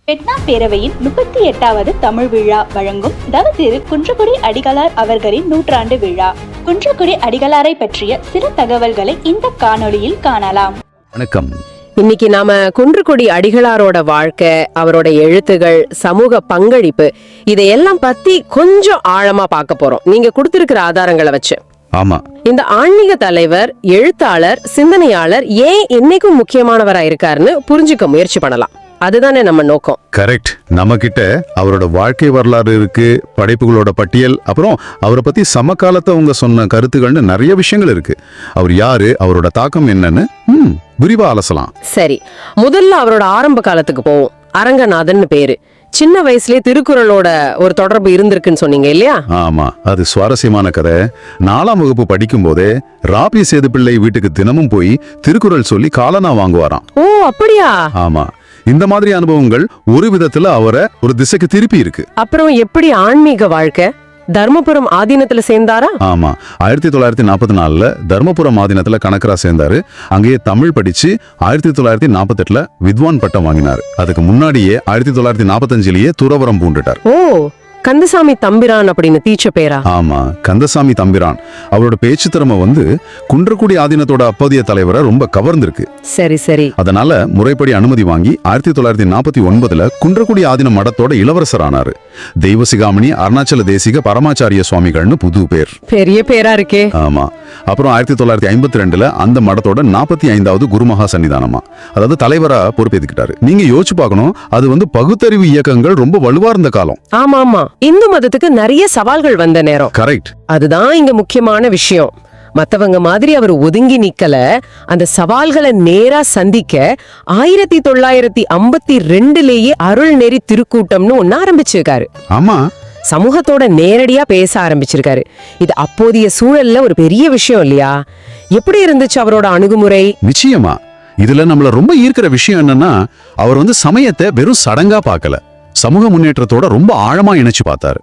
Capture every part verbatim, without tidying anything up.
பெட்னா பேரவையின் முப்பத்தி எட்டாவது தமிழ் விழா வழங்கும் தவத்திரு குன்றக்குடி அடிகளார் அவர்களின் நூற்றாண்டு விழா. குன்றக்குடி அடிகளாரை பற்றிய சில தகவல்களை இந்த காணொளியில் காணலாம். வணக்கம். இன்னைக்கு நாம குன்றக்குடி அடிகளாரோட வாழ்க்கை, அவரோட எழுத்துகள், சமூக பங்களிப்பு இதையெல்லாம் பத்தி கொஞ்சம் ஆழமா பார்க்க போறோம், நீங்க கொடுத்திருக்கிற ஆதாரங்களை வச்சு. ஆமா, இந்த ஆன்மீக தலைவர், எழுத்தாளர், சிந்தனையாளர் ஏன் இன்னைக்கும் முக்கியமானவரா இருக்காருன்னு புரிஞ்சுக்க முயற்சி பண்ணலாம். அதுதானே நம்ம நோக்கம். கரெக்ட். நம்ம கிட்ட அவரோட வாழ்க்கை வரலாறு இருக்கு, படைப்புகளோட பட்டியல், அப்புறம் அவரை பத்தி சமகாலத்தை அவங்க சொன்ன கருத்துக்கள்னு நிறைய விஷயங்கள் இருக்கு. அவர் யாரு, அவரோட தாக்கம் என்னன்னு ம் விரிவா அலசலாம். சரி, முதல்ல அவரோட ஆரம்ப காலத்துக்கு போவோம். அரங்கநாதன் பேரு. சின்ன வயசுலயே திருக்குறளோட ஒரு தொடர்பு இருந்திருக்குன்னு சொன்னீங்க இல்லையா? ஆமா, அது சுவாரஸ்யமான கதை. நாலாம் வகுப்பு படிக்கும் போதே ராபி சேது பிள்ளை வீட்டுக்கு தினமும் போய் திருக்குறள் சொல்லி காலனா வாங்குவாராம். ஓ, அப்படியா? ஆமா, இந்த மாதிரி அனுபவங்கள் ஒரு விதத்துல அவரை ஒரு திசைக்கு திருப்பி இருக்கு. அப்புறம் எப்படி ஆன்மீக வாழ்க்கை? தர்மபுரம் ஆதீனத்துல சேர்ந்தாரா? ஆமா, ஆயிரத்தி தொள்ளாயிரத்தி நாற்பத்தி நாலுல தர்மபுரம் ஆதீனத்துல கணக்கரா சேர்ந்தாரு. அங்கேயே தமிழ் படிச்சு ஆயிரத்தி தொள்ளாயிரத்தி நாற்பத்தி எட்டுல வித்வான் பட்டம் வாங்கினாரு. அதுக்கு முன்னாடியே ஆயிரத்தி தொள்ளாயிரத்தி நாற்பத்தி அஞ்சுலயே துறவரம் பூண்டுட்டார். ஓ, கந்தசாமி தம்பிரான் அப்படின்னு தீச்ச பேரா? ஆமா, கந்தசாமி தம்பிரான். அவரோட பேச்சு திறமை வந்து குன்றக்குடி ஆதீனத்தோட அப்போதைய தலைவரை ரொம்ப கவர்ந்திருக்கு. சரி சரி. அதனால முறைப்படி அனுமதி வாங்கி ஆயிரத்தி தொள்ளாயிரத்தி நாற்பத்தி ஒன்பதுல குன்றக்குடி ஆதீன மடத்தோட இளவரசர் ஆனாரு. தெய்வசிகாமணி அருணாச்சல தேசிக பரமாச்சாரிய சுவாமிகள்னு புது பேர். பெரிய பேரா இருக்கே. ஆமா. அப்புறம் ஆயிரத்தி தொள்ளாயிரத்தி ஐம்பத்தி ரெண்டுல அந்த மடத்தோட நாற்பத்தி ஐந்தாவது குருமகா சன்னிதானமா, அதாவது தலைவரா பொறுப்பேற்றுக்கிட்டாரு. நீங்க யோசிச்சு பார்க்கணும், அது வந்து பகுத்தறிவு இயக்கங்கள் ரொம்ப வலுவா இருந்த காலம். ஆமா ஆமா, இந்து மதத்துக்கு நிறைய சவால்கள் வந்த நேரம். கரெக்ட். அதுதான் இங்க முக்கியமான விஷயம். மத்தவங்க மாதிரி அவர் ஒதுங்கி நிக்கல, அந்த சவால்களை நேரா சந்திக்க ஆயிரத்தி தொள்ளாயிரத்தி ஐம்பத்தி ரெண்டுலேயே அருள்நெறி திருக்கூட்டம்னு ஒன்னு ஆரம்பிச்சிருக்காரு. ஆமா, சமூகத்தோட நேரடியா பேச ஆரம்பிச்சிருக்காரு. இது அப்போதைய சூழல்ல ஒரு பெரிய விஷயம் இல்லையா? எப்படி இருந்துச்சு அவரோட அணுகுமுறை? நிச்சயமா. இதுல நம்மள ரொம்ப ஈர்க்கிற விஷயம் என்னன்னா, அவர் வந்து சமயத்தை வெறும் சடங்கா பார்க்கல, சமூக முன்னேற்றத்தோட ரொம்ப ஆழமா இணைச்சு பார்த்தாரு.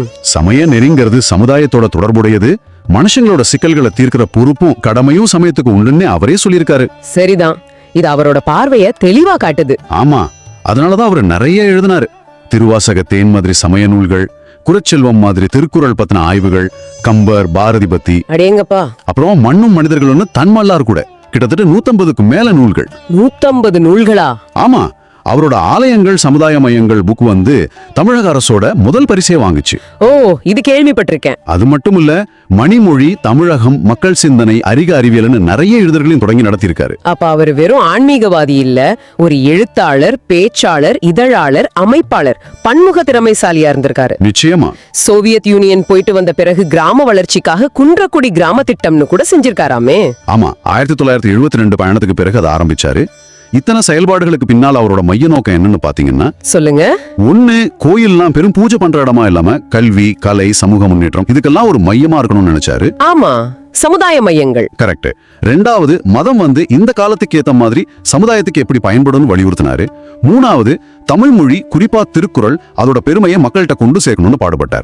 சமய நெறிங்கிறது சமுதாயத்தோட தொடர்புடையது, மனுஷங்களோட சிக்கல்களை தீர்க்கிற பொறுப்பும் கடமையும் சமயத்துக்கு உண்டுன்னு அவரே சொல்லியிருக்காரு. சரிதான், இது அவரோட பார்வைய தெளிவா காட்டுது. ஆமா, அதனாலதான் அவர் நிறைய எழுதினாரு. திருவாசக தேன் மாதிரி சமய நூல்கள், குறச்செல்வம் மாதிரி திருக்குறள் பத்தின ஆய்வுகள், கம்பர், பாரதி பத்தி, அடேங்கப்பா. அப்புறம் மண்ணும் மனிதர்கள்னு தன்மல்லார் கூட கிட்டத்தட்ட நூத்தம்பதுக்கு மேல நூல்கள். நூத்தம்பது நூல்களா? ஆமா, அவரோட ஆலயங்கள் சமுதாய மையங்கள் புக் வந்து தமிழக அரசோட முதல் பரிசே வாங்குச்சு. ஓ, இது கேள்விப்பட்டிருக்கேன். அது மட்டும் இல்ல, மணிமொழி, தமிழகம், மக்கள் சிந்தனை, அறிக அறிவியல்னு நிறைய எழுதர்களையும் தொடங்கி நடத்தியிருக்காரு. அப்ப அவர் வெறும் ஆன்மீகவாதி இல்ல, ஒரு எழுத்தாளர், பேச்சாளர், இதழாளர், அமைப்பாளர், பன்முக திறமைசாலியா இருந்திருக்காரு. நிச்சயமா. சோவியத் யூனியன் போயிட்டு வந்த பிறகு கிராம வளர்ச்சிக்காக குன்றக்குடி கிராம திட்டம்னு கூட செஞ்சிருக்காராமே. ஆமா, ஆயிரத்தி தொள்ளாயிரத்தி எழுபத்தி ரெண்டு பயணத்துக்கு பிறகு அதை ஆரம்பிச்சாரு. இத்தனை செயல்பாடுகளுக்கு பின்னால் அவரோட மைய நோக்கம் என்னன்னு பாத்தீங்கன்னா, சொல்லுங்க, ஒண்ணு, கோயில்லாம் பெரும் பூஜை பண்ற இடமா இல்லாம கல்வி, கலை, சமூக முன்னேற்றம் இதுக்கெல்லாம் ஒரு மையமா இருக்கணும்னு நினைச்சாரு. ஆமா, சமுதாய மையங்கள். கரெக்ட். ரெண்டாவது, மதம் வந்து இந்த காலத்துக்கு ஏத்த மாதிரி சமுதாயத்துக்கு எப்படி பயன்படும் வலியுறுத்தினாரு. மூணாவது, தமிழ் மொழி, குறிப்பா திருக்குறள், அதோட பெருமையை மக்கள்கிட்ட கொண்டு சேர்க்கணும்னு பாடுபட்டார்.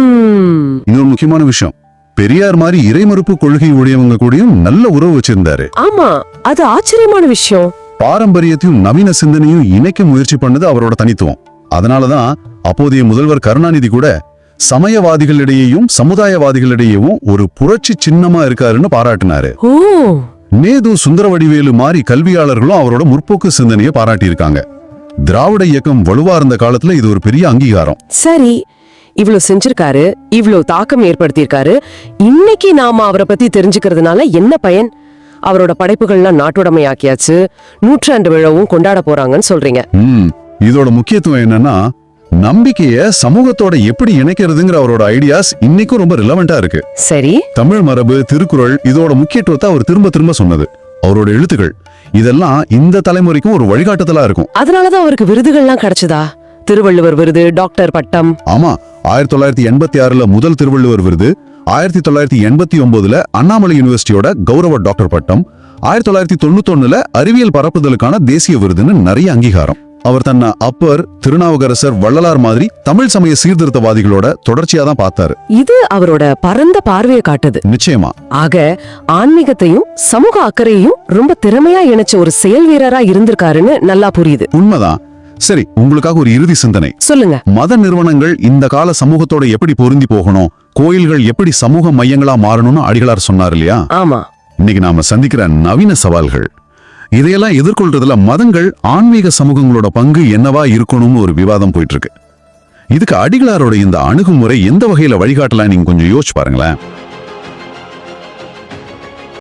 இன்னொரு முக்கியமான விஷயம், பெரியார் மாதிரி இறைமறுப்பு கொள்கை உடையவங்க கூடயும் நல்ல உறவு வச்சிருந்தாரு. ஆமா, அது ஆச்சரியமான விஷயம். பாரம்பரியத்தையும் நவீன சிந்தனையும் இணைக்க முயற்சி பண்ணது அவரோட தனித்துவம். அதனாலதான் அப்போதைய முதல்வர் கருணாநிதி கூட சமயவாதிகளிடையேயும் சமுதாயவாதிகளிடையேயும் ஒரு புரட்சி சின்னமா இருக்காருன்னு பாராட்டினாரு. நேது, சுந்தரவடிவேலு மாதிரி கல்வியாளர்களும் அவரோட முற்போக்கு சிந்தனையை பாராட்டி இருக்காங்க. திராவிட இயக்கம் வலுவா இருந்த காலத்துல இது ஒரு பெரிய அங்கீகாரம். சரி, இவ்வளவு செஞ்சிருக்காரு, இவ்வளவு தாக்கம் ஏற்படுத்தியிருக்காரு. இன்னைக்கு நாம அவரை பத்தி தெரிஞ்சுக்கிறதுனால என்ன பயன்? அவரோட படைப்புகள்லாம் நாட்டுடைமை ஆக்கியாச்சு, நூற்றாண்டு விழாவும் கொண்டாட போறாங்கன்னு சொல்றீங்க. இதோட முக்கியத்துவம் என்னன்னா, நம்பிக்கைய சமூகத்தோட எப்படி இணைக்கிறதுங்கிற அவரோட ஐடியாஸ் இன்னைக்கும் ரொம்ப ரிலவெண்டா இருக்கு. சரி, தமிழ் மரபு, திருக்குறள் இதோட முக்கியத்துவத்தை அவர் திரும்ப திரும்ப சொன்னது. அவரோட எழுத்துக்கள் இதெல்லாம் இந்த தலைமுறைக்கும் ஒரு வழிகாட்டுதலா இருக்கும். அதனாலதான் அவருக்கு விருதுகள்லாம் கிடைச்சதா? திருவள்ளுவர் விருது, டாக்டர் பட்டம். ஆமா, ஆயிரத்தி தொள்ளாயிரத்தி எண்பத்தி ஆறுல முதல் திருவள்ளுவர் விருது, ஆயிரத்தி தொள்ளாயிரத்தி எண்பத்தி ஒன்பதுல அண்ணாமலை யூனிவர்சிட்டியோட கௌரவ டாக்டர் பட்டம், ஆயிரத்தி தொள்ளாயிரத்தி தொண்ணூத்தி ஒண்ணுல அறிவியல் பரப்புதலுக்கான தேசிய விருதுன்னு நிறைய அங்கீகாரம். அவர் தன்னை அப்பர், திருநாவுக்கரசர், வள்ளலார் மாதிரி தமிழ் சமய சீர்திருத்தவாதிகளோட தொடர்ச்சியா தான் பார்த்தாரு. இது அவரோட பரந்த பார்வையை காட்டுது. நிச்சயமா. ஆக ஆன்மீகத்தையும் சமூக அக்கறையையும் ரொம்ப திறமையா இணைச்ச ஒரு செயல் வீரரா இருந்திருக்காருன்னு நல்லா புரியுது. உண்மைதான். சரி, உங்களுக்காக ஒரு இறுதி சிந்தனை. சொல்லுங்க. மத நிறுவனங்கள் இந்த கால சமூகத்தோட எப்படி பொருந்தி போகணும், கோயில்கள் எப்படி சமூக மையங்களா மாறணும்னு அடிகளார் சொன்னார் இல்லையா? ஆமா. இன்னைக்கு நாம சந்திக்கிற நவீன சவால்கள், இதையெல்லாம் எதிர்கொள்றதுல மதங்கள் ஆன்மீக சமூகங்களோட பங்கு என்னவா இருக்கணும்னு ஒரு விவாதம் போயிட்டு இருக்கு. இதுக்கு அடிகளாரோட இந்த அணுகுமுறை எந்த வகையில வழிகாட்டலாம் நீங்க கொஞ்சம் யோசிச்சு பாருங்களேன்.